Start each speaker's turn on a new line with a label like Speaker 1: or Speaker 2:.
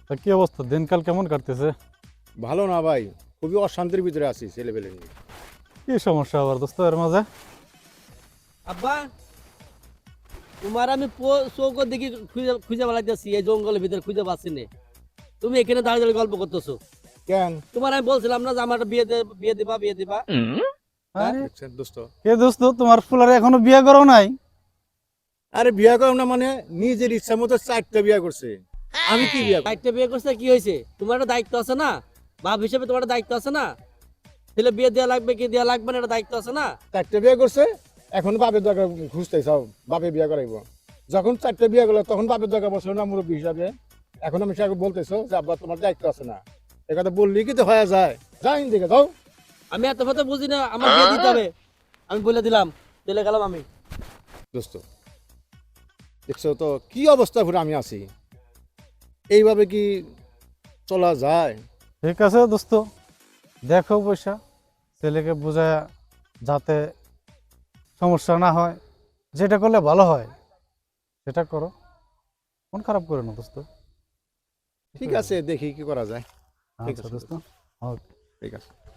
Speaker 1: তা কি অবস্থা, দিনকাল কেমন কাটতেছে?
Speaker 2: ভালো না ভাই, খুবই অশান্তির ভিতরে আছি ছেলেপেলে নিয়ে।
Speaker 1: কি সমস্যা আবার দোস্ত এর মাঝে?
Speaker 3: আব্বা, তোমার আমি চৌকর দেখি খুঁজে খুঁজে বেড়াইতেছি, এই জঙ্গলের ভিতরে খুঁজে পাচ্ছি না। তুমি এখানে দাঁড়িয়ে দাঁড়িয়ে গল্প করতেছো।
Speaker 2: কেন?
Speaker 3: তোমার আমি বলছিলাম না যে আমার একটা বিয়ে দিবা। হ্যাঁ?
Speaker 1: আরে
Speaker 2: দেখছেন দোস্ত,
Speaker 1: কে দোস্ত, তোমার ফুলারে এখনো বিয়ে করো নাই?
Speaker 2: আরে বিয়া করো না মানে নিজের ইচ্ছা মতো 4টা বিয়া করছে। আমি কি বিয়া করব?
Speaker 3: চারটে বিয়ে করছে কি হয়েছে? তোমার একটা দায়িত্ব আছে না? বাপ হিসেবে তোমার একটা দায়িত্ব আছে না? ছেলে বিয়ে দেওয়া লাগবে কি দেওয়া লাগবে না, একটা দায়িত্ব আছে না?
Speaker 2: 4টা বিয়া করছে, এখন বাপের দরকার খুঁজতে চাও, বাপে বিয়া করাইব। যখন 4টা বিয়া করলো তখন বাপের দরকার বসলো না মুরব্বী হিসাবে। এখন আমি সে বলতেছো যে আব্বা তোমার দায়িত্ব আছে না, এ কথা বললি কি তো হয়ে যায়? যাই দিকে যাও।
Speaker 3: আমি এত কথা বুঝি না, আমার বিয়ে দিতে হবে। আমি বলে দিলাম, চলে গেলাম আমি।
Speaker 2: দোস্ত দেখছো তো কি অবস্থা পুরো আমি আছি, এইভাবে কি চলা যায়?
Speaker 1: ঠিক আছে দোস্ত, দেখো পয়সা ছেলেকে বোঝায় যাতে সমস্যা না হয়, যেটা করলে ভালো হয় সেটা করো, মন খারাপ করে না দোস্ত।
Speaker 2: ঠিক আছে, দেখি কি করা যায়। ঠিক
Speaker 1: আচ্ছা
Speaker 2: আছে
Speaker 1: দোস্ত,
Speaker 2: দোস্ত,
Speaker 1: ওকে।
Speaker 2: ঠিক আছে।